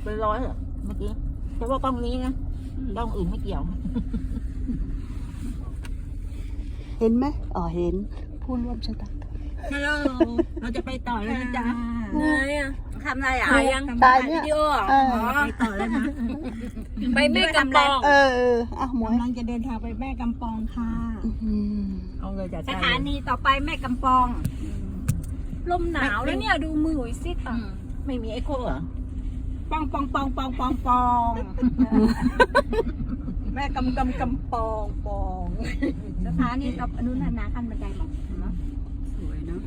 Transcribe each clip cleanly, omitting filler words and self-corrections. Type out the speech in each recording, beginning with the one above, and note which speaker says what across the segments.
Speaker 1: เป็นร้อยเมื่อกี้แต่ว่ากล้องนี้นะกล้องอื่นไม่เกี่ยว
Speaker 2: เห็นไหมอ๋อเห็นผู้ร่วมชะตากรรม
Speaker 1: ฮัลโหลเราจะไปต่อแล้วนะจ๊ะ
Speaker 3: ไงอ่ะ
Speaker 1: ทำอะไรอ่ะ
Speaker 3: ถ่ายยัง
Speaker 2: ตายเนี่ย
Speaker 3: วิดีโออ่ะ
Speaker 2: เออ
Speaker 1: ไปต่อแล้วนะ
Speaker 3: ไปแม่กำปอง
Speaker 2: อ่ะหมวย
Speaker 4: กำลังจะเดินทางไปแม่กำปองค่ะ
Speaker 1: เอาเลยจ้ะ
Speaker 4: สถานีต่อไปแม่กำปอง
Speaker 3: ลมหนาวแล้วเนี่ยดูมือหุยซิดอ่ะ
Speaker 1: ไม่มีเอ็กโคเหรอ
Speaker 4: ปองปองปองปองปองปอง แม่กำปองปองสถานีต่ออนุนานาขั้นบันไดหมอกเนาะ
Speaker 2: สวยเนาะ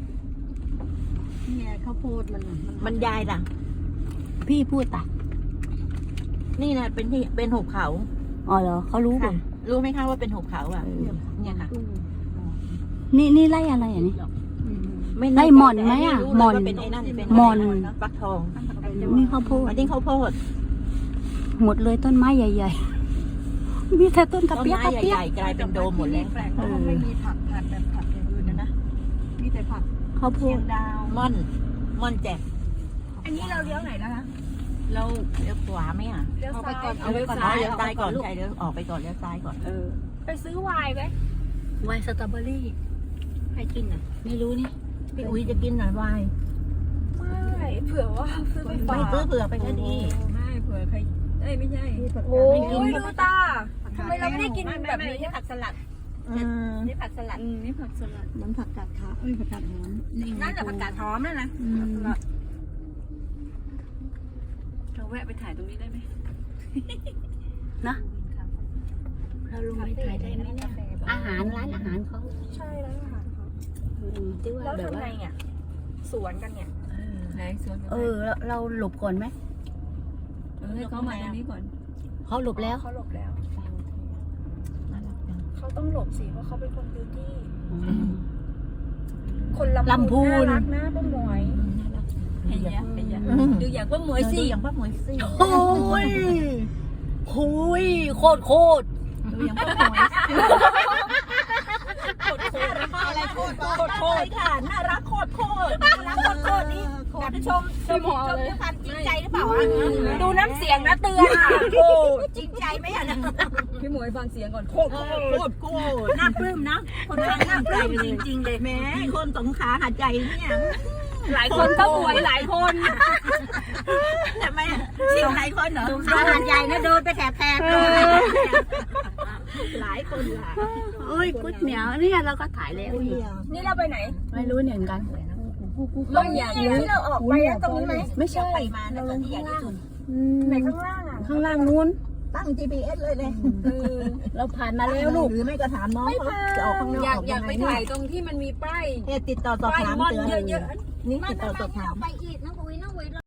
Speaker 4: เนี่ยข้าวโพดมัน
Speaker 1: มันยายล่ะ
Speaker 2: พี่พูดตะ
Speaker 1: นี่นะเป็นที่เป็นหุบเขา
Speaker 2: อ๋อเหรอเขารู้ป่ะ
Speaker 1: รู้ไหมคะว่าเป็นหุบเขาอ่ะเนี่ยค่ะ
Speaker 2: นี่ไล่อะไรอ่ะนี่
Speaker 1: ไม่
Speaker 2: ไล่หม่อนไหมอ่ะ
Speaker 1: รู้
Speaker 2: หม่อน
Speaker 1: เลยว่าเป็นไอ้นั่นเป็น
Speaker 2: หม่อน
Speaker 1: ฟักทอง
Speaker 2: นี่ข้าวโพด
Speaker 1: อันนี้ข้าวโพด
Speaker 2: หมดเลยต้นไม้ใหญ่ๆมีแต่ต้นกระ
Speaker 1: ต้น
Speaker 2: เปียก
Speaker 1: ไม้
Speaker 2: กระเปีย
Speaker 1: ให
Speaker 2: ก
Speaker 1: ญ่ๆกลายเป็นโดมหมดแล้ว
Speaker 4: แปลกเพราะว่าไม่มีผักแบบผักอย่างอื่นนะมีแต่ผัก
Speaker 2: ข้าวโพ
Speaker 4: เชีย
Speaker 2: ด
Speaker 4: งดาว
Speaker 1: ม่อนแจก
Speaker 4: อันนี้เราเลี้ยวไหนแล้วคะ
Speaker 1: เราเลี้ยวขวาไหมอ่ะ
Speaker 3: เลี้ยวซ้าย
Speaker 1: เอาไว้ก่อนเลี้ยวซ้ายก่อนใช่เลี้ยวออกไปก่อนเลี้ยวซ้ายก่อน
Speaker 3: ไปซื้อไวน์ไหม
Speaker 2: ไวน์สตรอเบอรี่
Speaker 1: ใครกินอ่ะ
Speaker 2: ไม่รู้นี่
Speaker 1: พี่อุ้ยจะกินหน่อยวาย
Speaker 3: ไม่เผื่อว่าซื้อไปฝา
Speaker 1: ไม่
Speaker 3: ก
Speaker 1: ซื้อเผื่อไปก็ดี
Speaker 4: ไม่เผื่อใครเอ้ยไม่ใช่
Speaker 3: โอ้ยดูตาทำไมเราไม่ได้กินแบบนี้
Speaker 4: ผักสลัด
Speaker 3: นี่ผักสลัด
Speaker 4: นี่ผักสลัดน้ำผักกาดขาวผักกาดหอมนี่
Speaker 3: นั่นแหละผักกาดหอมนั่นนะ
Speaker 4: เราแวะไปถ่ายตรงนี้ได้ไหม
Speaker 2: นะเราลงไปถ่ายได้ไหมเนี่ยอาหารร้านอาหารเขา
Speaker 3: ใช่แล้วค่ะ
Speaker 2: ที่ว่า
Speaker 3: แล้ว
Speaker 2: แบบ
Speaker 3: ทำ
Speaker 2: ว่า
Speaker 3: ไงอ่ะสวนกันเนี่ย
Speaker 4: ไหนสวน
Speaker 2: เราหลบก่อนไหม
Speaker 4: ให้เขามาตรงนี้ก่อน
Speaker 2: เขาหลบแล้ว
Speaker 3: เขาหลบแล้ว เขาต้องหลบสิเพราะเขาเป็นคนพื้นที่ คนลำพูนน่ารักนะป้าหมวย
Speaker 4: เห็นยังเห็นยังดูอย่างว่าหมวยสิ
Speaker 1: ดูอย่างป้าหมวยสิ
Speaker 2: โอ้ยหุยโคตร
Speaker 1: ดูอย่างป้าหมวยอะไรโคตรโคตรค่ะน่ารักโคตรน่ารักโคตรนี่แบบชมด้วยความจริงใจหรือเปล่า
Speaker 3: ดูน้ำเสียงนะเตือนอ่ะโอ้
Speaker 1: จริงใจไหมอ่ะ
Speaker 4: พี่หมวยฟังเสียงก่อนโคตร
Speaker 1: โคตรน่าปลื้มนะคนฟังน่าปลื้มจริงๆเลยแม้คนสงขลาหาใจเนี่ย
Speaker 3: หลายคนก็หวยหลายคน
Speaker 1: ทำไมสิ่งหลายคนเหรอ
Speaker 4: ขาหาดใหญ่นะโดนไปแถบเลย
Speaker 1: หลายคนล่ะ
Speaker 2: โอ้ยก๋วยเหนียวเนี่ยเราก็ถ่ายแล้ว
Speaker 3: นี่เราไปไหน
Speaker 2: ไม่รู้เหมือนกัน
Speaker 3: ตรงนี้ที่เราออกไปนะตรงนี้ไหม
Speaker 2: ไม่ใช่
Speaker 1: ไปมาแล้วที่ใหญ่ที่สุด
Speaker 3: ไหนข้างล่างอ่ะ
Speaker 2: ข้างล่างนู้น
Speaker 1: ตั้ง GPS เลย
Speaker 2: เราผ่านมาแล้วลูก
Speaker 1: หรือไม่ก็ถามน้องเขาจะออกข้างนอก
Speaker 3: อยากไปถ่ายตรงที่มันมีป้าย
Speaker 1: ติดต่อสอบ
Speaker 3: ป้าย
Speaker 1: ถาม
Speaker 3: ม่อน
Speaker 1: เตือน
Speaker 3: เยอะ
Speaker 1: นี่ติดต่อสอบถาม
Speaker 4: ไปอีกน้องอุ้ยน้องอุ้ย